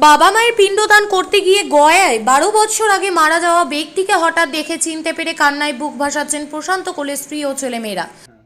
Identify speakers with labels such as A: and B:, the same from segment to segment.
A: বাবা মায়ের পিণ্ডদান করতে গিয়ে গয়ায় 12 বছর আগে মারা যাওয়া ব্যক্তিকে হঠাৎ দেখে চিনতে পেরে কান্নায় বুক ভাসাচ্ছেন প্রশান্ত কোলের স্ত্রী ও ছেলেমেয়েরা।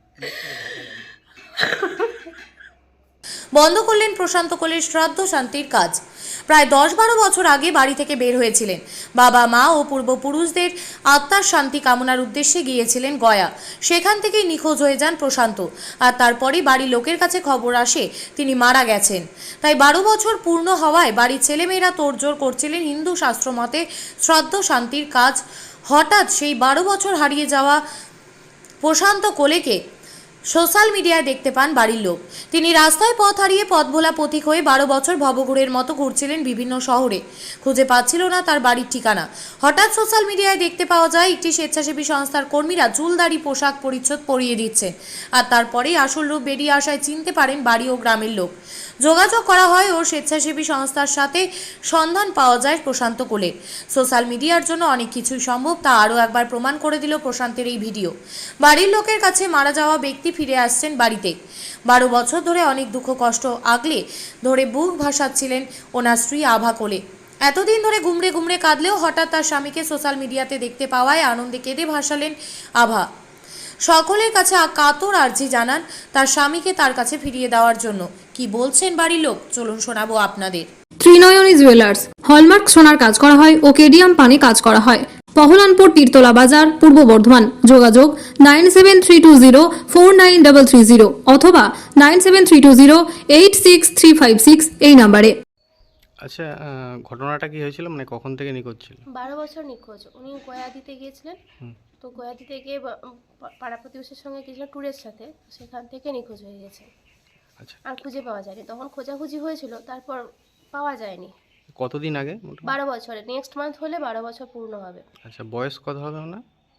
A: বন্ধ করলেন প্রশান্ত কোলের শ্রাদ্ধ শান্তির কাজ। প্রায় 10-12 বছর আগে বাড়ি থেকে বের হয়েছিলেন। বাবা মা ও পূর্বপুরুষদের আত্মার শান্তি কামনার উদ্দেশ্যে গিয়েছিলেন গয়া। সেখান থেকেই নিখোঁজ হয়ে যান প্রশান্ত। আর তারপরেই বাড়ির লোকের কাছে খবর আসে তিনি মারা গেছেন। তাই 12 বছর পূর্ণ হওয়ায় বাড়ির ছেলেমেয়েরা তোড়জোড় করছিলেন হিন্দু শাস্ত্র মতে শ্রাদ্ধ শান্তির কাজ। হঠাৎ সেই 12 বছর হারিয়ে যাওয়া প্রশান্ত কোলেকে সোশ্যাল মিডিয়ায় দেখতে পান বাড়ির লোক। তিনি রাস্তায় পথ হারিয়ে পথ ভোলা পথিক হয়ে 12 বছর ভবঘুরের মতো ঘুরছিলেন বিভিন্ন শহরে। খুঁজে পাচ্ছিল না তার বাড়ির ঠিকানা। হঠাৎ সোশ্যাল মিডিয়ায় দেখতে পাওয়া যায় একটি স্বেচ্ছাসেবী সংস্থার কর্মীরা চুলদাড়ি পোশাক পরিচ্ছদ পরিয়ে দিচ্ছে। আর তারপরেই আসল রূপ বেরিয়ে আসায় চিনতে পারেন বাড়ি ও গ্রামের লোক। যোগাযোগ করা হয় ও স্বেচ্ছাসেবী সংস্থার সাথে সন্ধান পাওয়া যায় প্রশান্ত কোলের। সোশ্যাল মিডিয়ার জন্য অনেক কিছুই সম্ভব, তা আরও একবার প্রমাণ করে দিল প্রশান্তের এই ভিডিও। বাড়ির লোকের কাছে মারা যাওয়া ব্যক্তি ফিরে আসছেন বাড়িতে। 12 বছর ধরে অনেক দুঃখ কষ্ট আগলে ধরে বুক ভাসাচ্ছিলেন ওনার স্ত্রী আভা কোলে। এতদিন ধরে গুমড়ে গুমড়ে কাঁদলেও হঠাৎ তার স্বামীকে সোশ্যাল মিডিয়াতে দেখতে পাওয়ায় আনন্দে কেঁদে ভাসালেন আভা। সকলের কাছে কাতর আর্জি জানান তার স্বামীকে তার কাছে ফিরিয়ে দেওয়ার জন্য। কি বলছেন বাড়ির লোক চলুন শোনাবো আপনাদের।
B: ত্রিনয়নী জুয়েলার্স হলমার্ক সোনার কাজ করা হয় ও কেডিয়াম পানি কাজ করা হয়। পহলানপুর তীরতলা বাজার, পূর্ব বর্ধমান। যোগাযোগ 9732049330 অথবা 9732086356 এই নাম্বারে।
C: আচ্ছা, ঘটনাটা কি হয়েছিল, মানে কখন থেকে নিখোঁজ ছিল?
D: 12 বছর নিখোঁজ। উনি গয়া দিতে গিয়েছিলেন। তো গয়া দিতে গিয়ে পাড়া প্রতিবেশীর সঙ্গে গিয়েছিলেন ট্যুরের সাথে, সেখান থেকে নিখোঁজ হয়ে গেছে।
C: আচ্ছা,
D: আর খুঁজে পাওয়া যায়নি। তখন খোঁজাখুঁজি হয়েছিল, তারপর পাওয়া যায়নি।
C: কতদিন আগে?
D: 12 বছরে, নেক্সট মান্থ হলে 12 বছর পূর্ণ হবে।
C: আচ্ছা, বয়স কত হবে না?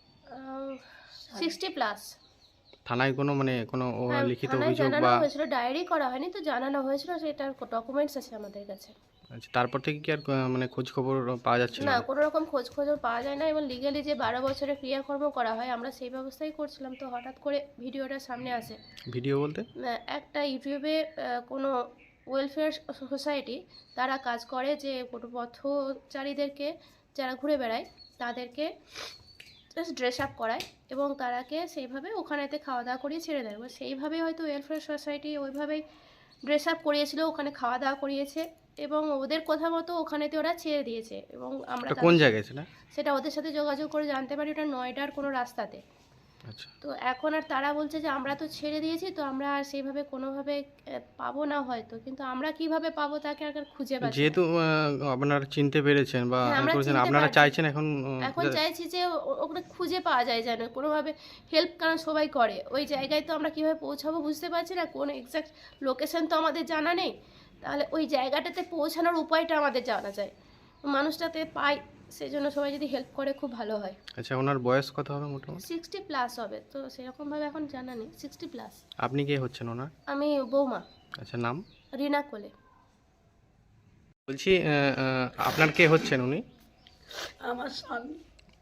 D: 60 প্লাস।
C: থানায় কোনো লিখিত অভিযোগ
D: জানানো
C: বা
D: হয়েছিল, ডায়েরি করা হয়নি, তো জানানো হয়েছিল, সেটার ডকুমেন্টস আছে আমাদের কাছে।
C: আচ্ছা, তারপর থেকে কি আর খোঁজ খবর পাওয়া যাচ্ছে
D: না, কোনো রকম খোঁজ পাওয়া যায় না। এবং লিগালি যে 12 বছরের ক্রিয়াকর্ম করা হয় আমরা সেই ব্যবস্থাই করছিলাম। তো হঠাৎ করে ভিডিওটা সামনে আসে।
C: ভিডিও বলতে
D: একটা ইউটিউবে কোনো ওয়েলফেয়ার সোসাইটি তারা কাজ করে যে কোনো পথচারীদেরকে যারা ঘুরে বেড়ায় তাদেরকে জাস্ট ড্রেস আপ করায় এবং তারাকে সেইভাবে ওখানেতে খাওয়া দাওয়া করিয়ে ছেড়ে দেয়। এবার সেইভাবেই হয়তো ওয়েলফেয়ার সোসাইটি ওইভাবেই ড্রেস আপ করিয়েছিল, ওখানে খাওয়া দাওয়া করিয়েছে এবং ওদের কথা মতো ওখানেতে ওরা ছেড়ে দিয়েছে। এবং আমরা
C: কোন জায়গায়
D: সেটা ওদের সাথে যোগাযোগ করে জানতে পারি ওটা নয়ডার কোনো রাস্তাতে।
C: আচ্ছা,
D: তো এখন আর তারা বলছে যে আমরা তো ছেড়ে দিয়েছি, তো আমরা আর সেইভাবে কোনোভাবে পাবো না হয়তো, কিন্তু আমরা কিভাবে পাবো তাকে আর খুঁজে পাচ্ছি।
C: যেহেতু আপনারা চিনতে পেরেছেন বা আপনারা চাইছেন এখন
D: চাইছি যে ওখানে খুঁজে পাওয়া যায় যেন কোনোভাবে হেল্প, কারণ সবাই করে ওই জায়গায়। তো আমরা কিভাবে পৌঁছাবো বুঝতে পারছি না, কোন এক্স্যাক্ট লোকেশন তো আমাদের জানা নেই। তাহলে ওই জায়গাটাতে পৌঁছানোর উপায়টা আমাদের জানা যায়, মানুষটাতে পাই, সেই জন্য সবাই যদি হেল্প করে খুব ভালো হয়।
C: আচ্ছা, ওনার বয়স কত হবে মোটামুটি?
D: 60 প্লাস হবে, তো সেরকমভাবে এখন জানা নেই। 60 প্লাস।
C: আপনি কে হচ্ছেন ওনার?
D: আমি বৌমা।
C: আচ্ছা, নাম?
D: রিনা কোলে।
C: বলছি, আপনার কে হচ্ছেন উনি?
E: আমার স্বামী।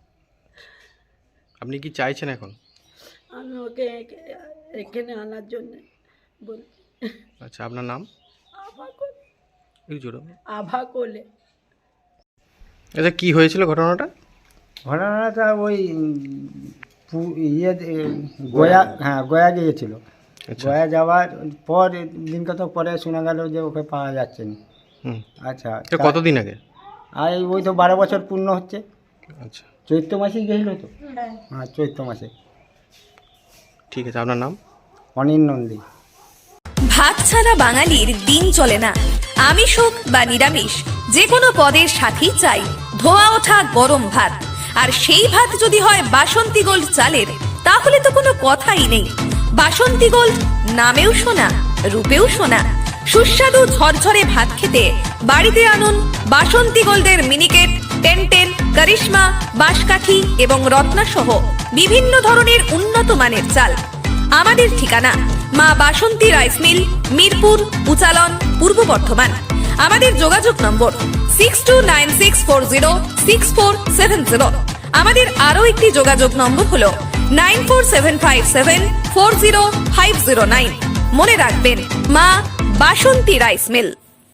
C: আপনি কি চাইছেন এখন?
E: আমি ওকে এখানে আনার জন্য বলছি।
C: আচ্ছা, আপনার নাম?
E: আভা কোলে।
C: আভা
E: কোলে।
C: আচ্ছা, কি হয়েছিল ঘটনাটা?
F: ঘটনাটা ওই গয়া গিয়েছিল। গয়া যাওয়ার পর দিন কত পরে শোনা গেল যে ওকে পাওয়া যাচ্ছে না। আচ্ছা,
C: কতদিন আগে?
F: আর ওই তো 12 বছর পূর্ণ হচ্ছে।
C: আচ্ছা,
F: চৈত্র মাসেই গেছিল তো। হ্যাঁ, চৈত্র মাসে।
C: ঠিক আছে, আপনার নাম?
F: অনিল নন্দী।
G: ভাত ছাড়া বাঙালির দিন চলে না। আমিষ হোক বা নিরামিষ, যে কোনো পদের সাথেই চাই ধোয়া ওঠা গরম ভাত। আর সেই ভাত যদি হয় বাসন্তী গোল্ড চালের, তাহলে তো কোনো কথাই নেই। বাসন্তী গোল্ড, নামেও শোনা, রূপেও শোনা। সুস্বাদু ঝরঝরে ভাত খেতে বাড়িতে আনুন বাসন্তী গোল্ডের মিনিকেট, টেনটেন, করিশ্মা, বাঁশকাঠি এবং রত্না সহ বিভিন্ন ধরনের উন্নত মানের চাল। আমাদের ঠিকানা মা বাসন্তী রাইস মিল, মিরপুর, উচালন, পূর্ব বর্ধমান। আমাদের যোগাযোগ নম্বর 6296406470। আমাদের আরও একটি যোগাযোগ নম্বর হলো 9475740509। মনে রাখবেন, মা বাসন্তী রাইস মিল।